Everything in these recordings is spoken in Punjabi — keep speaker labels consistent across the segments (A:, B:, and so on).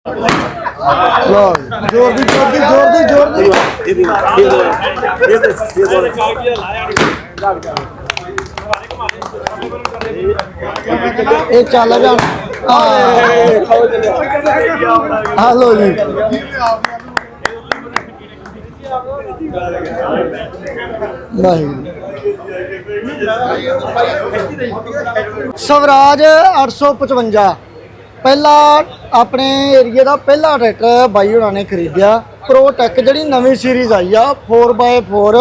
A: जोर दी जोर दी जोर दी जोर दी ये चल जा हेलो जी नहीं स्वराज 855 पहला अपने एरिए का पहला ट्रैक्टर बाई होना ने खरीदिया प्रोटेक जी नवी सीरीज आई आ 4x4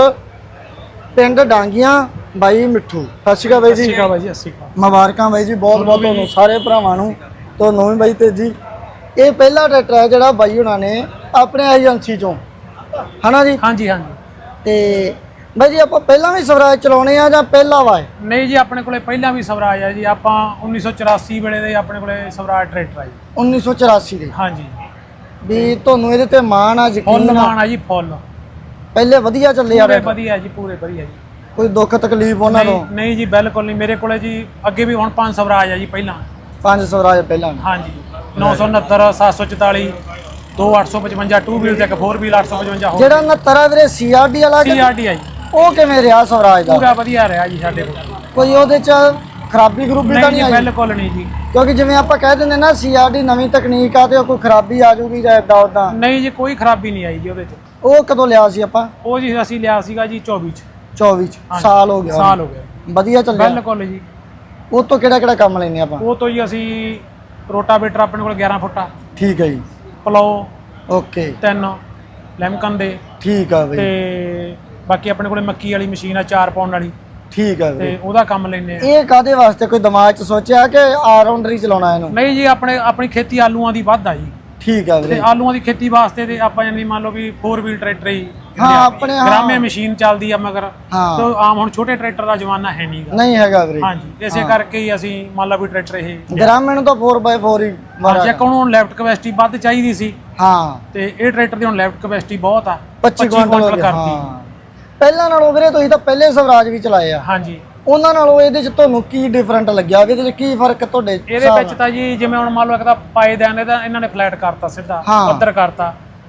A: पिंड डांगियां बाई मिठू। सत श्री अकाल बाई जी मुबारक बाई जी बहुत बहुत तुहानूं सारे भरावां नूं तुहानूं भी बाई तेजी। ये पहला ट्रैक्टर है जिहड़ा बाई होना ने अपने एजेंसी चों है ना जी।
B: हाँ जी हाँ जी।
A: ते बाई जी आप पहला भी स्वराज चलाने आ जां पहला वा है?
B: नहीं जी अपने कोले पहला भी स्वराज है जी। आप 1984 वेले दे अपने कोले स्वराज ट्रैक्टर है जी।
A: 1984 दे।
B: हाँ जी
A: भी तुहानूं इहदे ते माण आ
B: फुल
A: यकीन
B: मान है जी फुल
A: पहले वधिया चले आ
B: पूरे
A: रहे
B: वधिया जी पूरे वधिया जी।
A: कोई दुख तकलीफ उन्हां
B: नहीं,
A: तों?
B: नहीं जी बिल्कुल नहीं। मेरे कोले जी अगे भी हुण 5 स्वराज है जी पहला।
A: 5 स्वराज पहला ने।
B: हाँ जी 969 744 2 855 2 व्हील ते 4 व्हील 855 हो
A: ਜਿਹੜਾ 69 ਆ ਵੀਰੇ ਸੀਆਰਡੀ ਵਾਲਾ
B: सीआरटी है जी
A: ਉਹ ਕਿਵੇਂ ਰਿਹਾ ਸਵਰਾਜ ਦਾ?
B: पूरा वधिया रहा जी साडे कोल।
A: ਕੋਈ ਉਹਦੇ ਚ ਖਰਾਬੀ ਗਰੂਬੀ ਤਾਂ
B: नहीं
A: ਨਹੀਂ
B: जी
A: ਆਈ?
B: बिल्कुल नहीं जी।
A: ਕਿਉਂਕਿ ਜਿਵੇਂ ਆਪਾਂ ਕਹਿ ਦਿੰਦੇ ਨਾ ਸੀਆਰਡੀ ਨਵੀਂ ਤਕਨੀਕ ਆ ਤੇ ਉਹ ਕੋਈ ਖਰਾਬੀ ਆ ਜਾਊਗੀ ਜਾਂ ਇਦਾਂ ਉਦਾਂ।
B: नहीं जी कोई खराबी नहीं आई जी ਉਹਦੇ ਚ।
A: ਉਹ ਕਦੋਂ ਲਿਆ ਸੀ ਆਪਾਂ?
B: ਉਹ ਜੀ ਅਸੀਂ ਲਿਆ ਸੀਗਾ ਜੀ 24 ਚ।
A: 24 ਚ
B: ਹਾਂਜੀ,
A: ਸਾਲ ਹੋ ਗਿਆ।
B: ਸਾਲ ਹੋ ਗਿਆ
A: ਵਧੀਆ ਚੱਲਿਆ
B: ਬਿਲਕੁਲ ਜੀ।
A: ਉਹ ਤੋਂ ਕਿਹੜਾ ਕਿਹੜਾ ਕੰਮ ਲੈਨੇ ਆਪਾਂ?
B: ਉਹ ਤੋਂ ਜੀ ਅਸੀਂ ਰੋਟਾਵੇਟਰ ਆਪਣੇ ਕੋਲ 11 ਫੁੱਟਾ
A: ਠੀਕ ਹੈ ਜੀ
B: ਪਲੋ
A: ਓਕੇ
B: 3 ਲੈਮਕਨ ਦੇ
A: ਠੀਕ ਆ ਬਈ
B: ਤੇ ਬਾਕੀ ਆਪਣੇ ਕੋਲੇ ਮੱਕੀ ਵਾਲੀ ਮਸ਼ੀਨ ਆ 4 ਪਾਉਣ ਵਾਲੀ
A: ਠੀਕ ਆ
B: ਤੇ
A: ਬਈ।
B: ਉਹਦਾ ਕੰਮ ਲੈਨੇ ਆ।
A: ਇਹ ਕਾਦੇ ਵਾਸਤੇ ਕੋਈ ਦਿਮਾਗ ਚ ਸੋਚਿਆ ਕਿ ਆਲਰਾਊਂਡਰ ਹੀ ਚਲਾਉਣਾ ਇਹਨੂੰ?
B: ਨਹੀਂ ਜੀ ਆਪਣੀ ਖੇਤੀ ਆਲੂਆਂ ਦੀ ਵੱਧ ਆ ਜੀ
A: ਠੀਕ ਆ
B: ਤੇ
A: ਵੀਰੇ।
B: ਆਲੂਆਂ ਦੀ ਖੇਤੀ ਵਾਸਤੇ ਤੇ ਆਪਾਂ ਜਾਨੀ ਮੰਨ ਲਓ ਵੀ 4 ਵੀਲ ਟਰੈਕਟਰ ਹੀ
A: ਹਾਂ ਆਪਣੇ ਹਾਂ
B: ਗ੍ਰਾਮੇ ਮਸ਼ੀਨ ਚੱਲਦੀ ਆ ਮਗਰ
A: ਹਾਂ
B: ਤੇ ਆਮ ਹੁਣ ਛੋਟੇ ਟਰੈਕਟਰ ਦਾ ਜ਼ਮਾਨਾ ਹੈ ਨਹੀਂਗਾ।
A: ਨਹੀਂ ਹੈਗਾ ਵੀਰੇ।
B: ਹਾਂਜੀ ਇਸੇ ਕਰਕੇ ਹੀ ਅਸੀਂ ਮੰਨ ਲਓ ਵੀ ਟਰੈਕਟਰ ਇਹ
A: ਗ੍ਰਾਮੀਣ ਤੋਂ 4x4 ਹੀ ਮਾਰਾ।
B: ਜੇ ਕੋਣ ਲੈਫਟ ਕਪੈਸਿਟੀ ਵੱਧ ਚਾਹੀਦੀ ਸੀ
A: ਹਾਂ
B: ਤੇ ਇਹ ਟਰੈਕਟਰ ਦੀ ਹੁਣ ਲੈਫਟ ਕਪੈਸਿਟੀ ਬਹੁਤ ਆ
A: 25 ਕੁਇੰਟਲ
B: ਕਰਤੀ।
A: ਹਾਂ ਪਹਿਲਾਂ ਨਾਲੋਂ ਵੀਰੇ ਤੁਸੀਂ ਤਾਂ ਪਹਿਲੇ ਸਵਰਾਜ ਵੀ ਚਲਾਏ ਆ
B: ਹਾਂਜੀ
A: ਉਹਨਾਂ ਨਾਲੋਂ ਇਹਦੇ ਚ ਤੁਹਾਨੂੰ ਕੀ ਡਿਫਰੈਂਟ ਲੱਗਿਆ? ਇਹਦੇ ਚ ਕੀ ਫਰਕ ਤੁਹਾਡੇ
B: ਇਹਦੇ ਵਿੱਚ ਤਾਂ ਜੀ ਜਿਵੇਂ ਹੁਣ ਮੰਨ ਲਓ ਇੱਕ ਤਾਂ ਪਾਏਦਾਨ ਇਹਦਾ ਇਹਨਾਂ ਨੇ ਫਲੈਟ ਕਰਤਾ ਸਿੱਧਾ
A: ਹਾਂ।
B: ਪੱਧਰ ਕਰਤਾ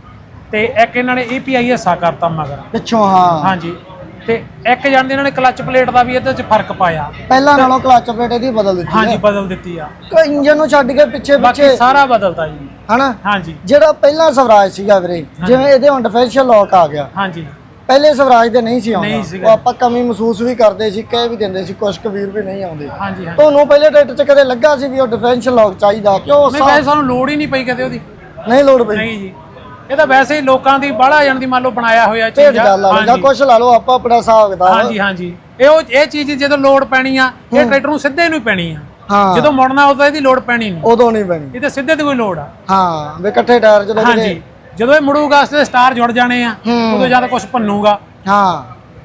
B: ਤੇ ਇੱਕ ਇਹਨਾਂ ਨੇ API ਹਿੱਸਾ ਕਰਤਾ ਮਗਰ
A: ਪਿੱਛੋਂ? ਹਾਂ
B: ਹਾਂਜੀ ਤੇ ਇੱਕ ਜਾਣਦੇ ਇਹਨਾਂ ਨੇ ਕਲਚ ਪਲੇਟ ਦਾ ਵੀ ਇਹਦੇ ਚ ਫਰਕ ਪਾਇਆ।
A: ਪਹਿਲਾਂ ਨਾਲੋਂ ਕਲਚ ਪਲੇਟ ਇਹਦੀ ਬਦਲ ਦਿੱਤੀ
B: ਹਾਂਜੀ ਬਦਲ ਦਿੱਤੀ ਆ।
A: ਕੋਈ ਇੰਜਨ ਨੂੰ ਛੱਡ ਕੇ ਪਿੱਛੇ
B: ਬਾਕੀ
A: ਪਿੱਛੇ
B: ਸਾਰਾ ਬਦਲਤਾ ਜੀ।
A: ਹਨਾ?
B: ਹਾਂਜੀ
A: ਜਿਹੜਾ ਪਹਿਲਾ ਸਵਰਾਜ ਸੀਗਾ ਵੀਰੇ ਜਿਵੇਂ ਇਹਦੇ ਹੁਣ ਡਿਫਰੈਂਸ਼ੀਅਲ ਲੌਕ ਆ ਗਿਆ,
B: ਹਾਂਜੀ
A: ਪਹਿਲੇ ਸਵਰਾਜ ਦੇ ਨਹੀਂ ਸੀ
B: ਨਹੀਂ
A: ਆਉਂਦਾ।
B: ਸੀਗਾ।
A: ਉਹ ਆਪਾਂ ਕਮੀ ਮਹਿਸੂਸ ਵੀ ਕਰਦੇ ਸੀ, ਕਹਿ ਵੀ ਦਿੰਦੇ ਸੀ ਕੁਝ ਕੁ ਵੀਰ ਵੀ ਨਹੀਂ ਆਉਂਦੇ।
B: ਹਾਂਜੀ ਹਾਂਜੀ
A: ਤੁਹਾਨੂੰ ਪਹਿਲੇ ਟਰੈਕਟਰ 'ਚ ਕਦੇ ਲੱਗਾ ਸੀ ਵੀ ਉਹ ਡਿਫਰੈਂਸ਼ੀਅਲ ਲੌਕ ਚਾਹੀਦਾ? ਕਿਉਂ
B: ਨਹੀਂ ਵੈਸੇ ਸਾਨੂੰ ਲੋੜ ਹੀ ਨਹੀਂ ਪਈ ਕਦੇ ਉਹਦੀ।
A: ਨਹੀਂ ਲੋੜ ਪਈ?
B: ਨਹੀਂ ਜੀ ਇਹ ਤਾਂ ਵੈਸੇ ਹੀ ਲੋਕਾਂ ਦੀ ਬਾਹਲਾ ਜਾਣ ਦੀ ਮੰਨ ਲਓ ਬਣਾਇਆ ਹੋਇਆ
A: ਢੇਡ
B: ਚੀਜ਼ ਆ।
A: ਗੱਲ ਆ ਜਾਂ ਕੁਝ ਲਾ ਲਓ ਆਪਾਂ ਆਪਣਾ ਹਿਸਾਬ ਕਿਤਾਬ।
B: ਹਾਂਜੀ ਹਾਂਜੀ ਇਹ ਚੀਜ਼ ਜਦੋਂ ਲੋੜ ਪੈਣੀ ਆ ਇਹ ਟਰੈਕਟਰ ਨੂੰ ਸਿੱਧੇ ਨੂੰ ਹੀ ਪੈਣੀ ਆ।
A: ਹਾਂ
B: ਜਦੋਂ ਮੁੜਨਾ ਉਦੋਂ ਇਹਦੀ ਲੋੜ ਪੈਣੀ ਨਹੀਂ।
A: ਉਦੋਂ ਨਹੀਂ ਬਣੀ।
B: ਇਹ ਤਾਂ ਸਿੱਧੇ ਦੀ ਕੋਈ ਲੋੜ ਆ।
A: ਹਾਂ ਵੀ ਇਕੱਠੇ ਟਾਇਰ ਜਦੋਂ
B: ਹਾਂਜੀ ਜਦੋਂ ਇਹ ਮੁੜੂਗਾ ਇਸ ਤੇ ਸਟਾਰ ਜੁੜ ਜਾਣੇ ਆ ਉਦੋਂ ਜ਼ਿਆਦਾ ਕੁਝ ਭੰਨੂਗਾ।
A: ਹਾਂ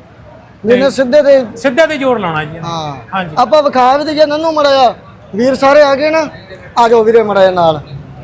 A: ਜਿਹਨੇ ਸਿੱਧੇ
B: ਤੇ ਜ਼ੋਰ ਲਾਉਣਾ ਜੀ।
A: ਹਾਂ
B: ਹਾਂਜੀ
A: ਆਪਾਂ ਵਿਖਾ ਵੀ ਦਈਏ ਨੰਨੂ ਮੜਾਇਆ ਵੀਰ ਸਾਰੇ ਆ ਗਏ ਨਾ। ਆ ਜਾਓ ਵੀਰੇ ਮੜਾਇਆ ਨਾਲ।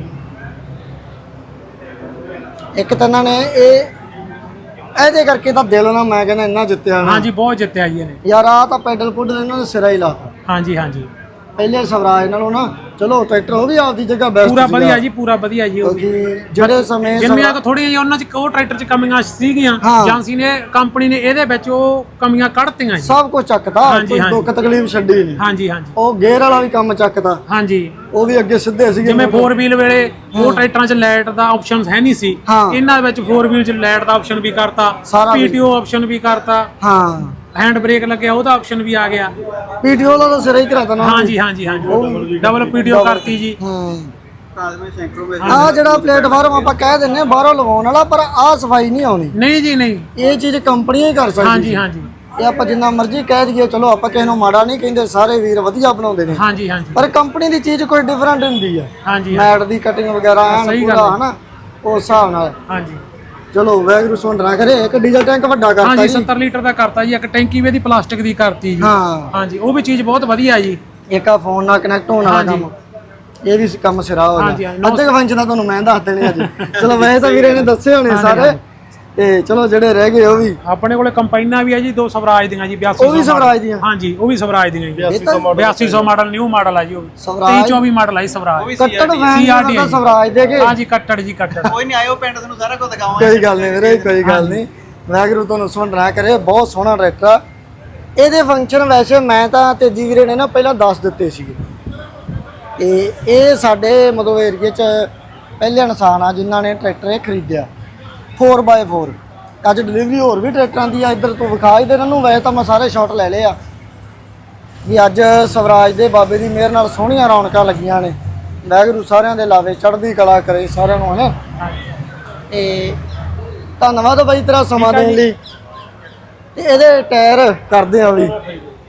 A: ਇੱਕ ਤਾਂ ਇਹਨਾਂ ਨੇ ਇਹਦੇ ਕਰਕੇ ਤਾਂ ਦਿਲ ਨਾਲ ਮੈਂ ਕਹਿੰਦਾ ਇੰਨਾ ਜਿੱਤਿਆ ਨਾ।
B: ਹਾਂਜੀ ਬਹੁਤ ਜਿੱਤਿਆ ਜੀ ਇਹਨੇ।
A: ਯਾਰ ਆ ਤਾਂ ਪੈਡਲ ਪੁੱਡਲ ਇਹਨਾਂ ਨੇ ਸਿਰਾ ਹੀ ਲਾਤਾ।
B: ਹਾਂਜੀ ਹਾਂਜੀ
A: ਪਹਿਲੇ ਸਵਰਾਜ ਨਾਲੋਂ ਨਾ ਚਲੋ ਟਰੈਕਟਰ ਉਹ ਵੀ ਆਪਦੀ ਜਗ੍ਹਾ ਬੈਸਟ
B: ਪੂਰਾ ਵਧੀਆ ਜੀ ਪੂਰਾ ਵਧੀਆ ਜੀ। ਉਹ ਵੀ
A: ਕਿਉਂਕਿ ਜਿਹੜੇ ਸਮੇਂ
B: ਜਿੰਨੀਆਂ ਕੁ ਥੋੜੀਆਂ ਜਿਹੀਆਂ ਉਹਨਾਂ ਚ ਉਹ ਟਰੈਕਟਰ ਚ ਕਮੀਆਂ ਸੀਗੀਆਂ ਏਜੰਸੀ ਨੇ ਕੰਪਨੀ ਨੇ ਇਹਦੇ ਵਿੱਚ ਉਹ ਕਮੀਆਂ ਕੱਢਤੀਆਂ ਜੀ।
A: ਸਭ ਕੁਝ ਚੱਕਦਾ, ਕੋਈ ਦੁੱਖ ਤਕਲੀਫ ਛੱਡੀ ਨਹੀਂ।
B: ਹਾਂਜੀ ਹਾਂਜੀ
A: ਉਹ ਗੇਅਰ ਵਾਲਾ ਵੀ ਕੰਮ ਚੱਕਦਾ।
B: ਹਾਂਜੀ
A: ਉਹ ਵੀ ਅੱਗੇ ਸਿੱਧੇ ਸੀਗੇ।
B: ਜਿਵੇਂ 4 ਵੀਲ ਵੇਲੇ ਉਹ ਟਰੈਕਟਰਾਂ 'ਚ ਲਾਈਟ ਦਾ ਆਪਸ਼ਨ ਹੈ ਨਹੀਂ ਸੀ। ਇਹਨਾਂ ਵਿੱਚ 4 ਵੀਲ 'ਚ ਲਾਈਟ ਦਾ ਆਪਸ਼ਨ ਵੀ ਕਰਤਾ, PTO ਆਪਸ਼ਨ ਵੀ ਕਰਤਾ।
A: ਹਾਂ
B: ਹੈਂਡ ਬ੍ਰੇਕ ਲੱਗਿਆ ਉਹਦਾ ਆਪਸ਼ਨ ਵੀ ਆ ਗਿਆ।
A: PTO ਦਾ ਤਾਂ ਸਿਰਾ ਹੀ ਕਰਾਤਾ ਨਾ।
B: ਹਾਂਜੀ ਹਾਂਜੀ ਹਾਂਜੀ ਡਬਲ PTO ਕਰਤੀ ਜੀ।
A: ਆ ਜਿਹੜਾ ਪਲੇਟਫਾਰਮ ਆਪਾਂ ਕਹਿ ਦਿੰਨੇ ਬਾਹਰੋਂ ਲਵਾਉਣ ਵਾਲਾ, ਪਰ ਆ ਸਫਾਈ ਨਹੀਂ ਆਉਣੀ।
B: ਨਹੀਂ ਜੀ ਨਹੀਂ
A: ਇਹ ਚੀਜ਼ ਕੰਪਨੀਆਂ ਹੀ ਕਰ ਸਕਦੀ।
B: ਹਾਂਜੀ ਹਾਂਜੀ
A: ਇਹ ਆਪਾਂ ਜਿੰਨਾ ਮਰਜ਼ੀ ਕਹਿ ਦਈਏ, ਚਲੋ ਆਪਾਂ ਕਿਸੇ ਨੂੰ ਮਾੜਾ ਨਹੀਂ ਕਹਿੰਦੇ, ਸਾਰੇ ਵੀਰ ਵਧੀਆ ਬਣਾਉਂਦੇ ਨੇ।
B: ਹਾਂਜੀ ਹਾਂਜੀ
A: ਪਰ ਕੰਪਨੀ ਦੀ ਚੀਜ਼ ਕੋਈ ਡਿਫਰੈਂਟ ਹੁੰਦੀ ਹੈ।
B: ਹਾਂਜੀ
A: ਮੈਟ ਦੀ ਕਟਿੰਗ ਵਗੈਰਾ ਪੂਰਾ ਹਨਾ ਉਸ ਹਿਸਾਬ ਨਾਲ।
B: ਹਾਂਜੀ
A: ਚਲੋ ਵੈਗਰੂ ਸੁਣ ਨਾ ਕਰੇ। ਇੱਕ ਡੀਜ਼ਲ ਟੈਂਕ ਵੱਡਾ ਕਰਤਾ
B: ਜੀ। 70 ਲੀਟਰ ਦਾ ਕਰਤਾ ਜੀ। ਇੱਕ ਟੈਂਕੀ ਵੀ ਇਹਦੀ ਪਲਾਸਟਿਕ ਦੀ ਕਰਤੀ ਜੀ।
A: ਹਾਂ
B: ਹਾਂਜੀ ਉਹ ਵੀ ਚੀਜ਼ ਬਹੁਤ ਵਧੀਆ ਜੀ।
A: ਇੱਕ ਆ ਫੋਨ ਨਾਲ ਕਨੈਕਟ ਹੋਣ ਵਾਲਾ ਕੰਮ, ਇਹ ਵੀ ਕੰਮ ਸਿਰਾ ਹੋ ਗਿਆ। ਅੱਧੇ ਕੁ ਫੰਕਸ਼ਨ ਦਾ ਤੁਹਾਨੂੰ ਮੈਂ ਦੱਸ ਦੇਣੇ ਅੱਜ। ਚਲੋ ਵੈਸੇ ਤਾਂ ਵੀਰੇ ਨੇ ਦੱਸੇ ਹੋਣੇ ਸਾਰੇ। ਤੇ ਚਲੋ ਜਿਹੜੇ ਰਹਿ ਗਏ ਉਹ ਵੀ
B: ਆਪਣੇ ਕੋਲੇ ਕੰਪਾਈਨਾਂ ਵੀ ਆ ਜੀ 2 ਸਵਰਾਜ ਦੀਆਂ ਜੀ 8200
A: ਉਹ ਵੀ ਸਵਰਾਜ ਦੀਆਂ
B: ਹਾਂਜੀ ਉਹ ਵੀ ਸਵਰਾਜ ਦੀਆਂ ਜੀ 8200 ਮਾਡਲ ਨਿਊ ਮਾਡਲ ਆ ਜੀ ਉਹ
A: ਸਵਰਾਜ
B: 2324 ਮਾਡਲ ਆ ਜੀ ਸਵਰਾਜ
A: ਕੱਟੜ ਫੈਨ ਦਾ ਸਵਰਾਜ ਦੇ ਕੇ
B: ਹਾਂਜੀ ਕੱਟੜ ਜੀ ਕੱਟੜ
C: ਕੋਈ ਨਹੀਂ ਆਇਓ ਪਿੰਡ ਤੁਹਾਨੂੰ ਸਾਰਾ ਕੁਝ ਦਿਖਾਵਾਂਗੇ।
A: ਕੋਈ ਗੱਲ ਨਹੀਂ ਵੀਰੇ ਕੋਈ ਗੱਲ ਨਹੀਂ ਵਾਹਿਗੁਰੂ ਤੁਹਾਨੂੰ ਸੁਣ ਨਾ ਕਰੇ ਬਹੁਤ ਸੋਹਣਾ ਟਰੈਕਟਰ ਆ ਇਹਦੇ ਫੰਕਸ਼ਨ ਵੈਸੇ ਮੈਂ ਤਾਂ ਤੇਜੀ ਵੀਰੇ ਨੇ ਨਾ ਪਹਿਲਾਂ ਦੱਸ ਦਿੱਤੇ ਸੀਗੇ ਤੇ ਇਹ ਸਾਡੇ ਮਤਲਬ ਏਰੀਏ 'ਚ ਪਹਿਲੇ ਇਨਸਾਨ ਆ ਜਿਨ੍ਹਾਂ ਨੇ ਟਰੈਕਟਰ ਇਹ ਖਰੀਦਿਆ 4x4 ਅੱਜ ਡਿਲੀਵਰੀ ਹੋਰ ਵੀ ਟਰੈਕਟਰਾਂ ਦੀ ਆ ਇੱਧਰ ਤੋਂ ਵਿਖਾ ਹੀ ਦੇ ਇਹਨਾਂ ਨੂੰ ਵੈਸੇ ਤਾਂ ਮੈਂ ਸਾਰੇ ਸ਼ਾਟ ਲੈ ਲਏ ਆ ਵੀ ਅੱਜ ਸਵਰਾਜ ਦੇ ਬਾਬੇ ਦੀ ਮਿਹਰ ਨਾਲ ਸੋਹਣੀਆਂ ਰੌਣਕਾਂ ਲੱਗੀਆਂ ਨੇ ਵਾਹਿਗੁਰੂ ਸਾਰਿਆਂ ਦੇ ਲਾਵੇ ਚੜ੍ਹਦੀ ਕਲਾ ਕਰੇ ਸਾਰਿਆਂ ਨੂੰ ਹਨਾ ਤੇ ਧੰਨਵਾਦ ਬਾਈ ਤੇਰਾ ਸਮਾਂ ਦੇਣ ਲਈ ਤੇ ਇਹਦੇ ਟਾਇਰ ਕਰਦੇ ਆ ਵੀ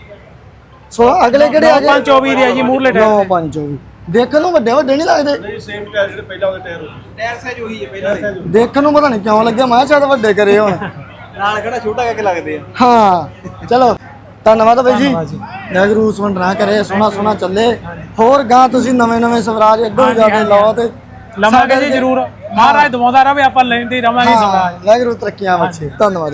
A: ਸੋ ਅਗਲੇ ਕਿਹੜੇ ਆ ਗਏ
B: 524 ਦੇ ਆ ਜੀ ਮੂਰਲੇ ਟਾਇਰ
A: 9-5 ਦੇਖਣ ਨੂੰ ਵੱਡੇ ਵੱਡੇ ਨਹੀਂ ਲੱਗਦੇ
C: ਨਹੀਂ ਸੇਮ ਟਾਇਰ ਜਿਹੜੇ ਪਹਿਲਾਂ ਉਹਦੇ ਟਾਇਰ ਸਾਈਜ਼ ਉਹੀ ਹੈ ਪਹਿਲਾਂ ਦੇ।
A: ਦੇਖਣ ਨੂੰ ਪਤਾ ਨਹੀਂ ਕਿਉਂ ਲੱਗਿਆ ਮੈਂ ਕਿਹਾ ਸ਼ਾਇਦ ਵੱਡੇ ਕਰੇ ਹੁਣ
C: ਨਾਲ ਕਿਹੜਾ ਛੋਟਾ ਕਰਕੇ ਲੱਗਦੇ ਆ।
A: ਹਾਂ ਚਲੋ ਧੰਨਵਾਦ ਬਾਈ ਜੀ ਵਾਹਿਗੁਰੂ ਸੁਣ ਨਾ ਕਰੇ ਸੋਹਣਾ ਸੋਹਣਾ ਚੱਲੇ ਹੋਰ ਗਾਂ ਤੁਸੀਂ ਨਵੇਂ ਸਵਰਾਜ ਅੱਗੋਂ ਜਾਵੇ ਲਓ ਤੇ
B: ਲਵਾਂਗੇ ਜੀ ਜ਼ਰੂਰ ਮਹਾਰਾਜ ਦਵਾਉਂਦਾ ਰਹੇ ਆਪਾਂ ਲੈਂਦੇ ਹੀ ਰਵਾਂਗੇ ਸਵਰਾਜ
A: ਵਾਹਿਗੁਰੂ ਤਰੱਕੀਆਂ ਬਖਸ਼ੇ ਧੰਨਵਾਦ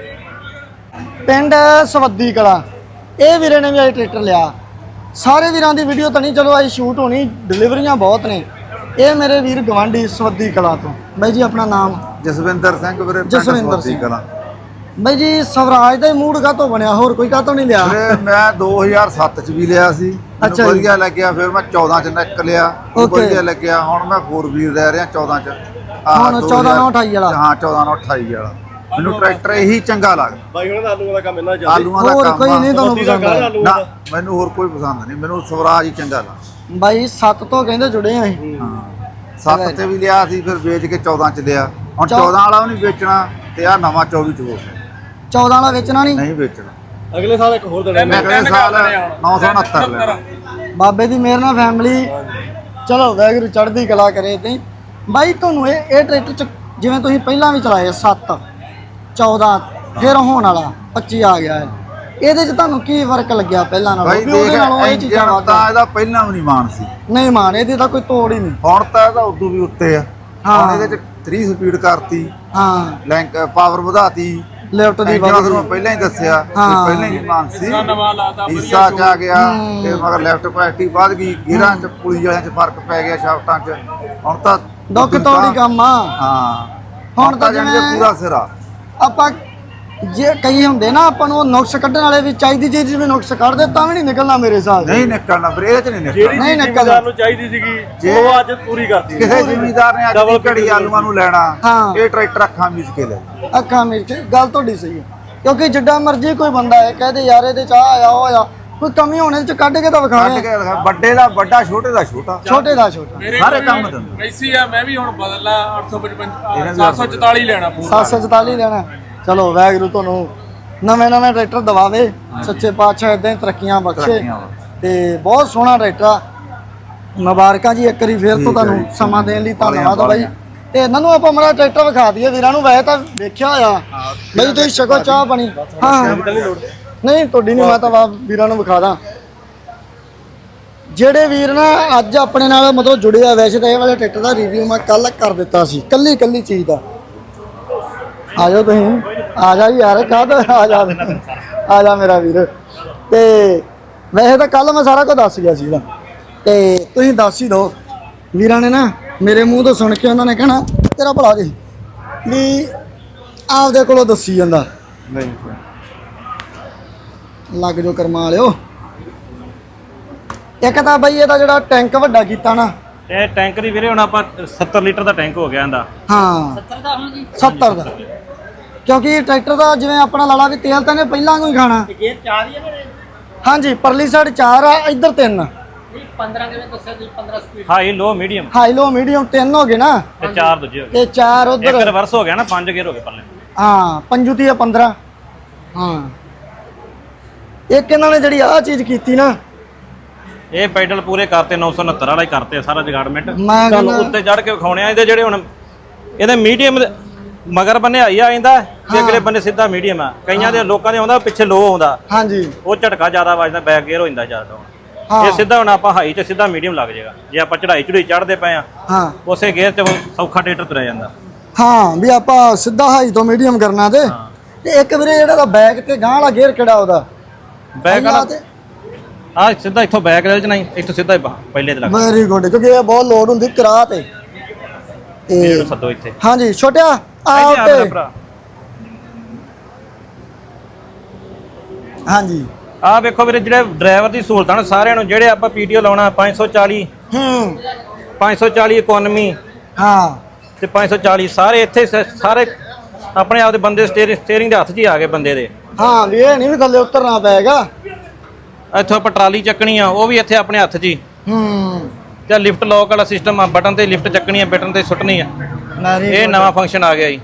A: ਬਾਈ ਪਿੰਡ ਸਵੱਦੀ ਕਲਾ ਇਹ ਵੀਰੇ ਨੇ ਵੀ ਅੱਜ ਟਰੈਕਟਰ ਲਿਆ ਸਾਰੇ ਵੀਰਾਂ ਦੀ ਵੀਡੀਓ ਤਾਂ ਨਹੀਂ ਚਲੋ ਅੱਜ ਸ਼ੂਟ ਹੋਣੀ ਡਿਲੀਵਰੀਆਂ ਬਹੁਤ ਨੇ ਇਹ ਮੇਰੇ ਵੀਰ ਗਵਾਂਢੀ ਸਵੱਦੀ ਕਲਾ ਤੋਂ ਬਾਈ ਜੀ ਆਪਣਾ ਨਾਮ
D: ਜਸਵਿੰਦਰ ਸਿੰਘ ਵੀਰੇ
A: ਜਸਵਿੰਦਰ ਸਿੰਘ
D: ਕਲਾਂ
A: ਬਾਈ ਜੀ ਸਵਰਾਜ ਦਾ ਹੀ ਮੂਡ ਕਾਹਤੋਂ ਬਣਿਆ ਹੋਰ ਕੋਈ ਕਾਹਤੋਂ ਨਹੀਂ ਲਿਆ
D: ਵੀਰੇ ਮੈਂ 2007 ਚ ਵੀ ਲਿਆ ਸੀ
A: ਅੱਛਾ
D: ਮੈਨੂੰ
A: ਜੀ।
D: ਵਧੀਆ ਲੱਗਿਆ ਫਿਰ ਮੈਂ 14 ਚ ਨਿਕ ਲਿਆ
A: Okay।
D: ਵਧੀਆ ਲੱਗਿਆ ਹੁਣ ਮੈਂ 4 ਵੀਲ ਰਹਿ ਰਿਹਾ 14 ਚ
A: ਹੁਣ 14 ਨਾਲ 28 ਵਾਲਾ
D: ਹਾਂ 14 ਨਾਲ 28 ਵਾਲਾ ਮੈਨੂੰ ਟਰੈਕਟਰ ਇਹੀ ਚੰਗਾ ਲੱਗਦਾ
C: ਬਾਈ ਉਹਨਾਂ ਦਾ ਆਲੂਆਂ ਦਾ ਕੰਮ ਇੰਨਾ ਜ਼ਿਆਦਾ
D: ਆਲੂਆਂ ਦਾ
A: ਹੋਰ
D: ਕੰਮ
A: ਕੋਈ
D: ਆ।
A: ਨਹੀਂ ਤੁਹਾਨੂੰ ਪਸੰਦ ਆਇਆ
D: ਨਾ ਮੈਨੂੰ ਹੋਰ ਕੋਈ ਪਸੰਦ ਨਹੀਂ ਮੈਨੂੰ ਸਵਰਾਜ ਹੀ ਚੰਗਾ ਲੱਗਦਾ
A: ਬਾਈ 7 ਤੋਂ ਕਹਿੰਦੇ ਜੁੜੇ ਆ ਅਸੀਂ
D: ਹਾਂ 7 ਤੇ ਵੀ ਲਿਆ ਸੀ ਫਿਰ ਵੇਚ ਕੇ 14 ਚ ਲਿਆ ਹੁਣ 14 ਵਾਲਾ ਵੀ ਨਹੀਂ ਵੇਚਣਾ ਤੇ ਆ ਨਵਾਂ 24 ਚ ਹੋ ਗਿਆ
A: 14 ਵਾਲਾ ਵੇਚਣਾ ਨਹੀਂ
D: ਨਹੀਂ ਵੇਚਣਾ
C: ਅਗਲੇ ਸਾਲ ਇੱਕ ਹੋਰ ਦੇਣਾ
D: ਮੈਂ ਅਗਲੇ ਸਾਲ 969 ਲੈਣਾ
A: ਬਾਬੇ ਦੀ ਮਿਹਰ ਨਾਲ ਫੈਮਿਲੀ ਚਲੋ ਵਾਹਿਗੁਰੂ ਚੜ੍ਹਦੀ ਕਲਾ ਕਰੇ ਤੇ ਬਾਈ ਤੁਹਾਨੂੰ ਇਹ ਟਰੈਕਟਰ ਚ ਜਿਵੇਂ ਤੁਸੀਂ ਪਹਿਲਾਂ ਵੀ ਚਲਾਏ 7 14 ਫਿਰ ਹੋਣ ਵਾਲਾ 25 ਆ ਗਿਆ ਹੈ ਇਹਦੇ ਚ ਤੁਹਾਨੂੰ ਕੀ ਫਰਕ ਲੱਗਿਆ ਪਹਿਲਾਂ ਨਾਲੋਂ
D: ਭਾਈ
A: ਵੀ ਉਹਦੇ
D: ਦੇਖ
A: ਨਾਲੋਂ ਇਹ ਚੀਜ਼ਾਂ
D: ਇੰਜਣ
A: ਵੱਧ
D: ਤਾਂ ਇਹਦਾ ਪਹਿਲਾਂ ਵੀ ਨਹੀਂ ਮਾਨ ਸੀ
A: ਨਹੀਂ ਮਾਨ ਇਹਦੀ ਤਾਂ ਕੋਈ ਤੋੜ ਹੀ ਨਹੀਂ
D: ਹੁਣ ਤਾਂ ਇਹਦਾ ਉਦੋਂ ਵੀ ਉੱਤੇ ਆ
A: ਹਾਂ।
D: ਹੁਣ ਇਹਦੇ ਚ 3 ਸਪੀਡ ਕਰਤੀ
A: ਹਾਂ
D: ਲੈਂਕ ਪਾਵਰ ਵਧਾਤੀ
A: ਲੈਫਟ ਦੀ
D: ਇੰਜਣ
A: ਵੱਧ
D: ਤੁਹਾਨੂੰ ਪਹਿਲਾਂ ਹੀ ਦੱਸਿਆ ਕਿ
A: ਹਾਂ।
D: ਪਹਿਲਾਂ ਹੀ ਮਾਨ ਸੀ
B: ਨਵਾਂ ਲਾਤਾ
D: ਹਿੱਸਾ ਚ ਆ ਗਿਆ ਤੇ ਮਗਰ ਲੈਫਟ ਕੁਆਲਿਟੀ ਵੱਧ ਗਈ ਗੇਅਰਾਂ ਚ ਪੁਲੀ ਵਾਲਿਆਂ ਚ ਫਰਕ ਪੈ ਗਿਆ ਸ਼ਾਫਟਾਂ ਚ ਹੁਣ ਤਾਂ
A: ਦੁੱਖ ਤੋੜੀ ਕੰਮ ਆ
D: ਹਾਂ
A: ਹੁਣ ਤਾਂ
D: ਜਾਣੀ
A: ਜਿਵੇਂ-
D: ਕਿ ਪੂਰਾ ਸਿਰਾ
A: ਆਪਾਂ ਜੇ ਕਈ ਹੁੰਦੇ ਨਾ ਆਪਾਂ ਨੂੰ ਉਹ ਨੁਕਸ ਕੱਢਣ ਵਾਲੇ ਵੀ ਚਾਹੀਦੀ ਚੀਜ਼ ਜਿਵੇਂ ਨੁਕਸ ਕੱਢਦੇ ਤਾਂ ਵੀ ਨਹੀਂ ਨਿਕਲਣਾ ਮੇਰੇ ਹਿਸਾਬ ਨਾਲ
D: ਨਹੀਂ ਨਿਕਲਣਾ ਫਿਰ ਇਹਦੇ ਚ ਨਹੀਂ ਨਿਕਲਣਾ
A: ਨਹੀਂ ਨਿਕਲਦਾ
C: ਜ਼ਿਮੀਦਾਰ ਨੂੰ ਚਾਹੀਦੀ ਸੀਗੀ ਉਹ ਅੱਜ ਪੂਰੀ ਕਰਤੀ
D: ਕਿਸੇ ਜ਼ਿਮੀਦਾਰ ਨੇ ਅੱਜ ਦੀ ਘੜੀ ਆਲੂਆਂ ਨੂੰ ਲੈਣਾ
A: ਹਾਂ।
D: ਇਹ ਟਰੈਕਟਰ ਅੱਖਾਂ ਮੀਚ ਕੇ ਲੈ
A: ਅੱਖਾਂ ਮਿਰਚ ਗੱਲ ਤੁਹਾਡੀ ਸਹੀ ਹੈ ਕਿਉਂਕਿ ਜਿੱਡਾ ਮਰਜ਼ੀ ਕੋਈ ਬੰਦਾ ਹੈ ਕਹਦੇ ਯਾਰ ਇਹਦੇ ਚ ਆਹ ਆਇਆ ਉਹ ਆਇਆ ਕੋਈ ਕਮੀ ਹੋਣੇ ਚ ਕੱਢ ਕੇ ਤਾਂ
D: ਕੱਢ
A: ਵਿਖਾਵੇ
D: ਕੇ ਦਿਖਾ, ਵੱਡੇ ਦਾ ਵੱਡਾ ਛੋਟੇ ਦਾ ਛੋਟਾ
A: ਛੋਟੇ ਦਾ ਛੋਟਾ
D: ਸਾਰੇ ਕੰਮ ਦਿੰਦੇ
B: ਐਸੀ ਆ ਮੈਂ ਵੀ ਹੁਣ ਬਦਲਾ 855 744 ਲੈਣਾ ਪੂਰਾ
A: 744 ਲੈਣਾ ਚਲੋ ਵਾਹਿਗੁਰੂ ਤੁਹਾਨੂੰ ਨਵੇਂ ਟਰੈਕਟਰ ਦਵਾਵੇ ਸੱਚੇ ਪਾਤਸ਼ਾਹ ਇਦਾਂ ਹੀ ਤਰੱਕੀਆਂ ਬਖਸ਼ੇ
D: ਤਰੱਕੀਆਂ
A: ਤੇ ਬਹੁਤ ਸੋਹਣਾ ਟਰੈਕਟਰ ਆ। ਮੁਬਾਰਕਾਂ ਜੀ ਇੱਕ ਵਾਰੀ ਫੇਰ ਤੋਂ
D: ਠੀਕ ਹੈ
A: ਤੁਹਾਨੂੰ
D: ਜੀ।
A: ਸਮਾਂ ਦੇਣ ਲਈ
D: ਬਾਲੀਆਂ,
A: ਧੰਨਵਾਦ ਬਾਈ
D: ਬਾਲੀਆਂ।
A: ਤੇ ਇਹਨਾਂ ਨੂੰ ਆਪਾਂ ਮਰਾ ਟਰੈਕਟਰ ਵਿਖਾ ਦਈਏ ਵੀਰਾਂ ਨੂੰ ਵੈਸੇ ਤਾਂ ਵੇਖਿਆ ਹੋਇਆ ਬਈ ਤੁਸੀਂ ਛਕੋ ਚਾਹ ਪਾਣੀ ਹਾਂ ਨਹੀਂ ਤੁਹਾਡੀ ਨਹੀਂ ਮੈਂ ਤਾਂ ਵੀਰਾਂ ਨੂੰ ਵਿਖਾ ਦਾਂ ਜਿਹੜੇ ਵੀਰ ਨਾ ਅੱਜ ਆਪਣੇ ਨਾਲ ਮਤਲਬ ਜੁੜੇ ਆ ਵੈਸੇ ਤਾਂ ਇਹ ਵਾਲੇ ਟਰੈਕਟਰ ਦਾ ਰਿਵਿਊ ਮੈਂ ਕੱਲ ਕਰ ਦਿੱਤਾ ਸੀ ਕੱਲੀ ਚੀਜ਼ ਦਾ ਆ ਜਾਓ ਤੁਸੀਂ ਆ ਜਾ ਯਾਰ ਕਾਹਦਾ ਆ ਜਾ ਮੇਰਾ ਵੀਰ ਤੇ ਵੈਸੇ ਤਾਂ ਕੱਲ ਮੈਂ ਸਾਰਾ ਕੁਝ ਦੱਸ ਗਿਆ ਸੀਗਾ ਤੇ ਤੁਸੀਂ ਦੱਸ ਹੀ ਦਿਓ ਵੀਰਾਂ ਨੇ ਨਾ ਮੇਰੇ ਮੂੰਹ ਤੋਂ ਸੁਣ ਕੇ ਉਹਨਾਂ ਨੇ ਕਹਿਣਾ ਤੇਰਾ ਭਲਾ ਜੀ ਵੀ ਆਪਦੇ ਕੋਲੋਂ ਦੱਸੀ ਜਾਂਦਾ
D: ਨਹੀਂ
A: ਲੱਗ ਜੋ ਕਰਮਾ ਲਿਓ ਇੱਕ ਤਾਂ ਬਈ ਇਹਦਾ ਜਿਹੜਾ ਟੈਂਕ ਵੱਡਾ ਕੀਤਾ ਨਾ
E: ਇਹ ਟੈਂਕ ਦੀ ਵੀਰੇ ਹੁਣ ਆਪਾਂ 70 ਲੀਟਰ ਦਾ ਟੈਂਕ ਹੋ ਗਿਆ ਇਹਦਾ
A: ਹਾਂ 70 ਦਾ ਹੁਣ ਜੀ 70 ਦਾ ਕਿਉਂਕਿ ਟਰੈਕਟਰ ਦਾ ਜਿਵੇਂ ਆਪਣਾ ਲਾਲਾ ਵੀ ਤੇਲ ਤਾਂ ਨੇ ਪਹਿਲਾਂ ਕੋਈ ਖਾਣਾ
C: ਗੇਅਰ 4 ਹੀ ਹੈ
A: ਹਾਂਜੀ ਪਰਲੀ ਸਾਈਡ 4 ਆ ਇੱਧਰ 3
C: 15 ਕਿਵੇਂ ਦੱਸਿਆ ਤੁਸੀਂ 15 speed
E: high low medium
A: high low medium 3 ਹੋ ਗਏ ਨਾ
E: ਤੇ 4 ਦੂਜੇ ਹੋ ਗਏ
A: ਤੇ 4
E: ਇੱਕ
A: ਉਧਰ
E: ਰਿਵਰਸ ਹੋ ਗਿਆ ਨਾ 5 ਗੇਅਰ ਹੋ ਗਏ ਪੱਲੇ
A: ਹਾਂ ਪੰਜੂ ਦੀ 15 ਹਾਂ ਇੱਕ ਇਹਨਾਂ ਨੇ ਜਿਹੜੀ ਆਹ ਚੀਜ਼ ਕੀਤੀ ਨਾ
E: ਇਹ ਪੈਡਲ ਪੂਰੇ ਕਰਤੇ 969 ਵਾਲਾ ਹੀ ਕਰਤੇ ਸਾਰਾ ਜਗਾੜਮੈਂਟ
A: ਮੈਂ
E: ਤੁਹਾਨੂੰ
A: ਕਹਿੰਦਾ
E: ਉੱਤੇ ਚੜ ਕੇ ਵਿਖਾਉਣੇ ਆ ਇਹਦੇ ਜਿਹੜੇ ਹੁਣ ਇਹਦੇ ਮੀਡੀਅਮ ਮਗਰ ਬੰਨੇ ਆਈ ਆ ਜਾਂਦਾ ਤੇ ਅਗਲੇ ਬੰਨੇ ਸਿੱਧਾ ਮੀਡੀਅਮ ਆ ਕਈਆਂ ਦੇ ਲੋਕਾਂ ਦੇ ਆਉਂਦਾ ਪਿੱਛੇ ਲੋ ਆਉਂਦਾ
A: ਹਾਂਜੀ
E: ਉਹ ਝਟਕਾ ਜ਼ਿਆਦਾ ਵੱਜਦਾ ਬੈਕ ਗੇਅਰ ਹੋ ਜਾਂਦਾ ਜ਼ਿਆਦਾ
A: ਹਾਂ
E: ਇਹ ਸਿੱਧਾ ਹੁਣ ਆਪਾਂ ਹਾਈ ਤੇ ਸਿੱਧਾ ਮੀਡੀਅਮ ਲੱਗ ਜਾਏਗਾ ਜੇ ਆਪਾਂ ਚੜਾਈ ਚੜੂਈ ਚੜਦੇ ਪਏ ਆ
A: ਹਾਂ
E: ਉਸੇ ਗੇਅਰ ਤੇ ਸੌਖਾ ਟਰੈਕਟਰ ਤੁਰਿਆ ਜਾਂਦਾ
A: ਹਾਂ ਵੀ ਆਪਾਂ ਸਿੱਧਾ ਹਾਈ ਤੋਂ ਮੀਡੀਅਮ ਕਰਨਾ ਤੇ ਇੱਕ ਵੀਰੇ ਜਿਹੜਾ ਦਾ ਬੈਕ ਤੇ ਗਾਂ ਵਾਲਾ ਗੇਅਰ ਕਿਹੜਾ ਉਹਦਾ
E: ਬੈਕ ਵਾਲਾ ਆ ਸਿੱਧਾ ਇੱਥੋਂ ਬੈਕ ਰੇਲ ਚ ਨਹੀਂ ਇੱਥੋਂ ਸਿੱਧਾ ਹੀ ਪਹਿਲੇ ਤੇ ਲੱਗ
A: ਵੈਰੀ ਗੁੱਡ ਕਿਉਂਕਿ ਇਹ ਬਹੁਤ ਲੋਡ ਹੁੰਦੀ ਕਰਾ ਤੇ
E: ਇਹ ਸੱਦੋ ਇੱਥੇ
A: ਹਾਂਜੀ ਛੋਟਿਆ ਆ
E: ਇੱਥੇ ਆ ਮੇਰਾ
A: ਉੱਤੇ
E: ਭਰਾ
A: ਹਾਂਜੀ
E: ਆ ਵੇਖੋ ਵੀਰੇ ਜਿਹੜੇ ਡਰਾਈਵਰ ਦੀ ਸਹੂਲਤਾਂ ਨੇ ਸਾਰਿਆਂ ਨੂੰ ਜਿਹੜੇ ਆਪਾਂ ਪੀਟੀਓ ਲਾਉਣਾ 540 540 ਇਕਨੋਮੀ
A: ਹਾਂ
E: ਤੇ 540 ਸਾਰੇ ਇੱਥੇ ਸਾਰੇ ਆਪਣੇ ਆਪ ਦੇ ਬੰਦੇ ਸਟੀਅਰਿੰਗ ਦੇ ਹੱਥ 'ਚ ਹੀ ਆ ਗਏ ਬੰਦੇ ਦੇ
A: ਹਾਂ ਵੀ ਇਹ ਨਹੀਂ ਵੀ ਥੱਲੇ ਉਤਰਨਾ ਪਏਗਾ
E: ਇੱਥੋਂ ਆਪਾਂ ਟਰਾਲੀ ਚੱਕਣੀ ਆ ਉਹ ਵੀ ਇੱਥੇ ਆਪਣੇ ਹੱਥ 'ਚ ਹੀ ਤੇ ਲਿਫਟ ਲੌਕ ਵਾਲਾ ਸਿਸਟਮ ਆ ਬਟਨ ਤੇ ਲਿਫਟ ਚੱਕਣੀ ਆ ਬਟਨ ਤੇ ਸੁੱਟਣੀ ਆ ਇਹ ਨਵਾਂ ਫੰਕਸ਼ਨ ਆ ਗਿਆ ਜੀ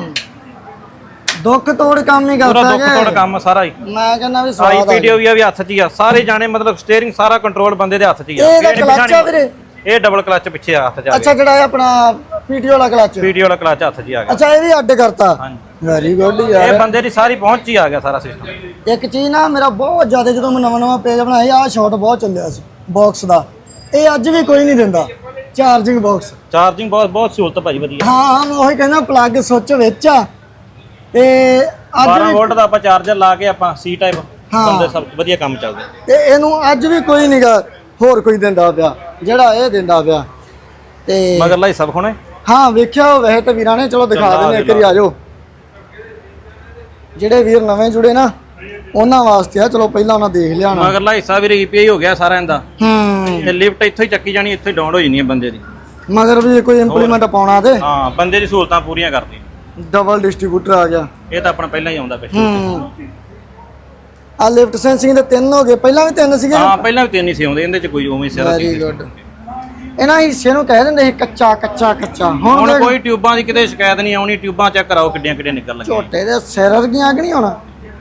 A: ਦੁੱਖ ਤੋੜ ਕੰਮ ਹੀ
E: ਪੂਰਾ
A: ਕਰਦਾ
E: ਦੁੱਖ ਤੋੜ ਕੰਮ ਸਾਰਾ ਹੀ
A: ਮੈਂ ਕਹਿੰਦਾ ਵੀ
E: ਆਈ
A: ਸਵਾਦ ਆ
E: ਪੀਡੀਓ ਵੀ ਆ ਵੀ ਹੱਥ 'ਚ ਹੀ ਆ ਸਾਰੇ ਜਾਣੇ ਮਤਲਬ ਸਟੀਅਰਿੰਗ ਸਾਰਾ ਕੰਟਰੋਲ ਬੰਦੇ ਦੇ ਹੱਥ 'ਚ ਹੀ ਆ
A: ਇਹਦਾ ਕਲੱਚ ਆ ਵੀਰੇ
E: ਇਹ ਡਬਲ ਕਲੱਚ ਪਿੱਛੇ ਹੱਥ 'ਚ ਆ
A: ਅੱਛਾ ਜਿਹੜਾ ਇਹ ਆਪਣਾ ਪੀਟੀਓ ਵਾਲਾ ਕਲੱਚ
E: ਪੀਡੀਓ ਵਾਲਾ ਕਲੱਚ ਹੱਥ 'ਚ ਹੀ ਆ ਗਿਆ
A: ਅੱਛਾ ਇਹ ਵੀ ਅੱਡ ਕਰਤਾ
E: ਹਾਂਜੀ
A: ਵੈਰੀ ਗੁੱਡ
E: ਇਹ
A: ਯਾਰ
E: ਬੰਦੇ ਦੀ ਸਾਰੀ ਪਹੁੰਚ 'ਚ ਹੀ ਆ ਗਿਆ ਸਾਰਾ ਸਿਸਟਮ
A: ਇੱਕ ਚੀਜ਼ ਨਾ ਮੇਰਾ ਬਹੁਤ ਜ਼ਿਆਦਾ ਜਦੋਂ ਮੈਂ ਨਵਾਂ ਪੇਜ ਬਣਾਇਆ ਆਹ ਸ਼ਾਟ ਬਹੁਤ ਚੱਲਿਆ ਸੀ ਬਾਕਸ ਦਾ ਇਹ ਅੱਜ ਵੀ ਕੋਈ ਨਹੀਂ ਦਿੰਦਾ ਚਾਰਜਿੰਗ ਬਾਕਸ
E: ਚਾਰਜਿੰਗ ਬਹੁਤ ਸਹੂਲਤ ਭਾਜੀ ਵਧੀਆ
A: ਹਾਂ ਮੈਂ ਉਹੀ ਕਹਿੰਦਾ ਪਲੱਗ ਸੁੱਚ ਵਿੱਚ ਆ ਤੇ ਅੱਜ
E: 12
A: ਵੀ
E: ਵੋਲਟ ਦਾ ਆਪਾਂ ਚਾਰਜਰ ਲਾ ਕੇ ਆਪਾਂ ਸੀ ਟਾਈਪ ਬੰਦੇ ਸਭ ਵਧੀਆ ਕੰਮ ਚੱਲਦਾ
A: ਤੇ ਇਹਨੂੰ ਅੱਜ ਵੀ ਕੋਈ ਨਹੀਂਗਾ ਹੋਰ ਕੋਈ ਦਿੰਦਾ ਪਿਆ ਜਿਹੜਾ ਇਹ ਦਿੰਦਾ ਪਿਆ ਤੇ
E: ਮਗਰਲਾ ਹੀ ਸਭ ਖੋਣੇ
A: ਹਾਂ ਵੇਖਿਆ ਵੈਸੇ ਤਾਂ ਵੀਰਾਂ ਨੇ ਚਲੋ ਦਿਖਾ ਦਿੰਦੇ ਇੱਕ ਵਾਰੀ ਆ ਜਾਓ ਜਿਹੜੇ ਵੀਰ ਨਵੇਂ ਜੁੜੇ ਨਾ ਉਹਨਾਂ ਵਾਸਤੇ ਆ ਚਲੋ ਪਹਿਲਾਂ ਉਹਨਾਂ ਦੇਖ ਲਿਆ ਨਾ
E: ਮਗਰਲਾ ਹਿੱਸਾ ਵੀ ਰੀਪੀਆਈ ਹੋ ਗਿਆ ਸਾਰਿਆਂ ਦਾ ਤੇ ਲਿਫਟ ਇੱਥੋਂ ਹੀ ਚੱਕੀ ਜਾਣੀ ਇੱਥੋਂ ਹੀ ਡਾਊਨ ਹੋ ਜਾਣੀ ਹੈ ਬੰਦੇ ਦੀ
A: ਮਗਰ ਵੀ ਕੋਈ ਇੰਪਲੀਮੈਂਟ ਪਾਉਣਾ ਤੇ
E: ਹਾਂ ਬੰਦੇ ਦੀ ਸਹੂਲਤਾਂ ਪੂਰੀਆਂ ਕਰਦੀ
A: ਡਬਲ ਡਿਸਟ੍ਰੀਬਿਊਟਰ ਆ ਗਿਆ
E: ਇਹ ਤਾਂ ਆਪਣਾ ਪਹਿਲਾਂ ਹੀ ਆਉਂਦਾ ਪਿੱਛੇ
A: ਆ ਲਿਫਟ ਸੈਂਸਿੰਗ ਦੇ 3 ਹੋ ਗਏ ਪਹਿਲਾਂ ਵੀ 3 ਸੀਗੇ
E: ਹਾਂ ਪਹਿਲਾਂ ਵੀ 3 ਹੀ ਸੀ ਆਉਂਦੇ ਇਹਦੇ ਚ ਕੋਈ ਉਵੇਂ ਸਿਰਾ ਸੀ
A: ਵੈਰੀ ਗੁੱਡ ਇਹਨਾਂ ਹਿੱਸੇ ਨੂੰ ਕਹਿ ਦਿੰਦੇ ਸੀ ਕੱਚਾ ਕੱਚਾ ਕੱਚਾ
E: ਹੁਣ ਕੋਈ ਟਿਊਬਾਂ ਦੀ ਕਿਤੇ ਸ਼ਿਕਾਇਤ ਨਹੀਂ ਆਉਣੀ ਟਿਊਬਾਂ ਚੈੱਕ ਕਰਾਓ ਕਿੱਡੀਆਂ ਕਿੱਡੀਆਂ ਨਿਕਲ ਲੱਗੀਆਂ
A: ਝੋਟੇ ਦੇ ਸਿਰ ਵਰਗੀਆਂ ਕਿ ਨਹੀਂ ਹੋਣਾ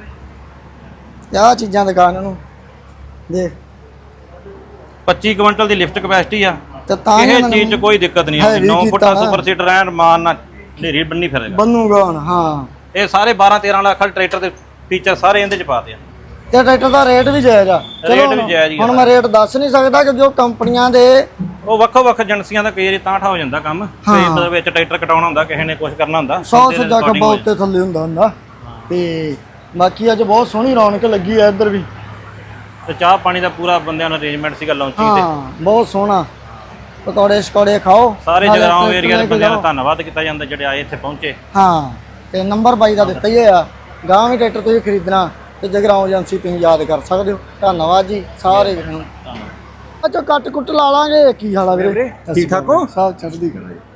A: ਆਹ ਚੀਜ਼ਾਂ ਦਿਖਾ ਇਹਨਾਂ ਨੂੰ ਦੇਖ
E: 25 ਕੁਇੰਟਲ ਦੀ ਲਿਫਟ ਕਪੈਸਿਟੀ ਆ
A: ਤੇ ਤਾਂ
E: ਇਹ ਚੀਜ਼ 'ਚ ਕੋਈ ਦਿੱਕਤ ਨਹੀਂ ਆਉਂਦੀ 9 ਫੁੱਟਾ ਸੁਪਰ ਸੀਟਰ ਰਹਿਣ ਮਾਨ ਨਾਲ ਢੇਰੀ ਬੰਨੀ ਫਿਰੇਗਾ
A: ਬੰਨੂਗਾ ਹੁਣ ਹਾਂ
E: ਇਹ ਸਾਰੇ 12 13 ਲੱਖ ਵਾਲੇ ਟਰੈਕਟਰ ਦੇ ਫੀਚਰ ਸਾਰੇ ਇਹਦੇ 'ਚ ਪਾਤੇ ਆ
A: ਤੇ ਟਰੈਕਟਰ ਦਾ ਰੇਟ ਵੀ ਜਾਇਜ਼ ਆ
E: ਰੇਟ ਵੀ ਜਾਇਜ਼ ਹੀ
A: ਹੁਣ ਮੈਂ ਰੇਟ ਦੱਸ ਨਹੀਂ ਸਕਦਾ ਕਿਉਂਕਿ ਉਹ ਕੰਪਨੀਆਂ ਦੇ
E: ਉਹ ਵੱਖੋ ਵੱਖ ਏਜੰਸੀਆਂ ਦਾ ਕਈ ਵਾਰੀ ਤਾਂ ਠਾ ਹੋ ਜਾਂਦਾ ਕੰਮ ਕਈ ਮਤਲਬ ਵਿੱਚ ਟਰੈਕਟਰ ਕਟਾਉਣਾ ਹੁੰਦਾ ਕਿਸੇ ਨੇ ਕੁਝ ਕਰਨਾ ਹੁੰਦਾ
A: 100 ਸੱਜਾ ਖੱਬਾ ਉੱਤੇ ਥੱਲੇ ਹੁੰਦਾ ਤੇ ਬਾਕੀ ਅੱਜ ਬਹੁਤ ਸੋਹਣੀ ਰੌਣਕ ਲੱਗੀ ਆ ਇੱਧਰ ਵੀ
E: ਤੇ ਚਾਹ ਪਾਣੀ ਦਾ ਪੂਰਾ ਬੰਦਿਆਂ ਦਾ ਅਰੇਂਜਮੈਂਟ ਸੀਗਾ ਲਾਂਚਿੰਗ ਤੇ
A: ਹਾਂ ਬਹੁਤ ਸੋਹਣਾ ਪਕੌੜੇ ਸ਼ਕੌੜੇ ਖਾਓ
E: ਸਾਰੇ ਜਗਰਾਉਂ ਏਰੀਆ ਦੇ ਬੰਦਿਆਂ ਦਾ ਧੰਨਵਾਦ ਕੀਤਾ ਜਾਂਦਾ ਜਿਹੜੇ ਆਏ ਇੱਥੇ ਪਹੁੰਚੇ
A: ਹਾਂ ਤੇ ਨੰਬਰ 22 ਦਾ ਦਿੱਤਾ ਹੀ ਹੋਇਆ ਗਾਂ ਵੀ ਟਰੈਕਟਰ ਤੁਸੀਂ ਖਰੀਦਣਾ ਤੇ ਜਗਰਾਉਂ ਏਜੰਸੀ ਤੁਸੀਂ ਯਾਦ ਕਰ ਸਕਦੇ ਹੋ ਧੰਨਵਾਦ ਜੀ ਸਾਰੇ ਵੀਰਾਂ ਨੂੰ ਅੱਛਾ ਕੱਟ ਕੁੱਟ ਲਾ ਲਾਂਗੇ ਕੀ ਹਾਲ ਆ ਵੀਰੇ ਠੀਕ ਠਾਕ ਹੋ ਸਭ ਚੜ੍ਹਦੀ ਕਲਾ ਜੀ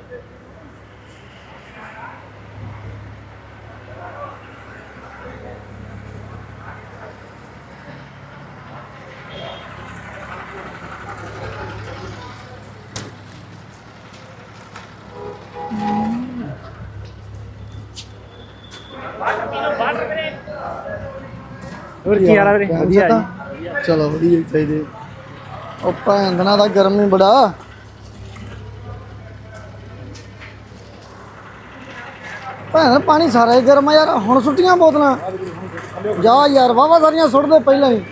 C: ਹੋਰ ਕੀ ਹਾਲ ਆ ਵੀਰੇ ਵਧੀਆ
A: ਜੀ ਚਲੋ ਵਧੀਆ ਹੀ ਚਾਹੀਦੇ ਉਹ ਭੈਂਦਣਾ ਦਾ ਗਰਮੀ ਬੜਾ ਭੈਣ ਪਾਣੀ ਸਾਰਾ ਹੀ ਗਰਮ ਆ ਯਾਰ ਹੁਣ ਸੁੱਟੀਆਂ ਬੋਤਲਾਂ ਜਾ ਯਾਰ ਵਾਵਾ ਸਾਰੀਆਂ ਸੁੱਟ ਦੇ ਪਹਿਲਾਂ ਹੀ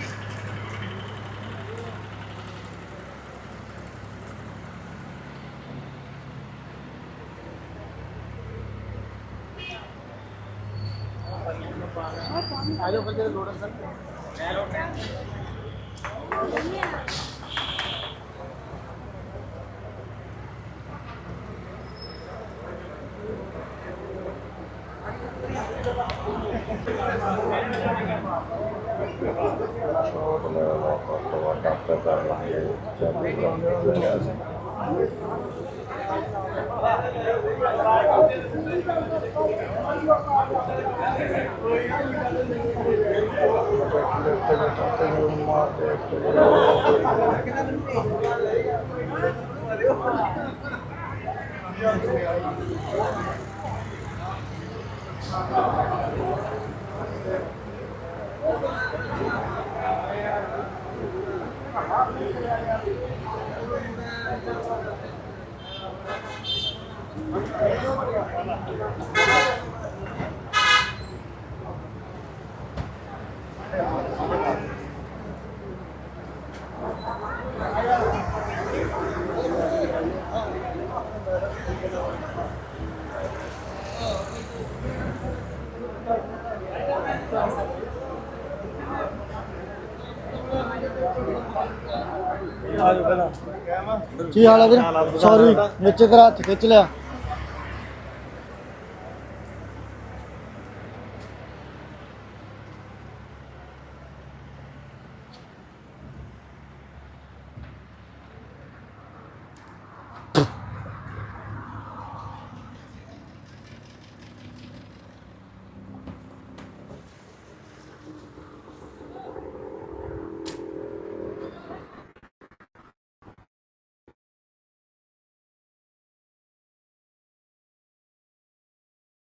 A: ਕੀ ਹਾਲ ਹੈ ਵੀਰ? ਸੌਰੀ ਵਿੱਚ ਤੇਰਾ ਹੱਥ ਖਿੱਚ ਲਿਆ।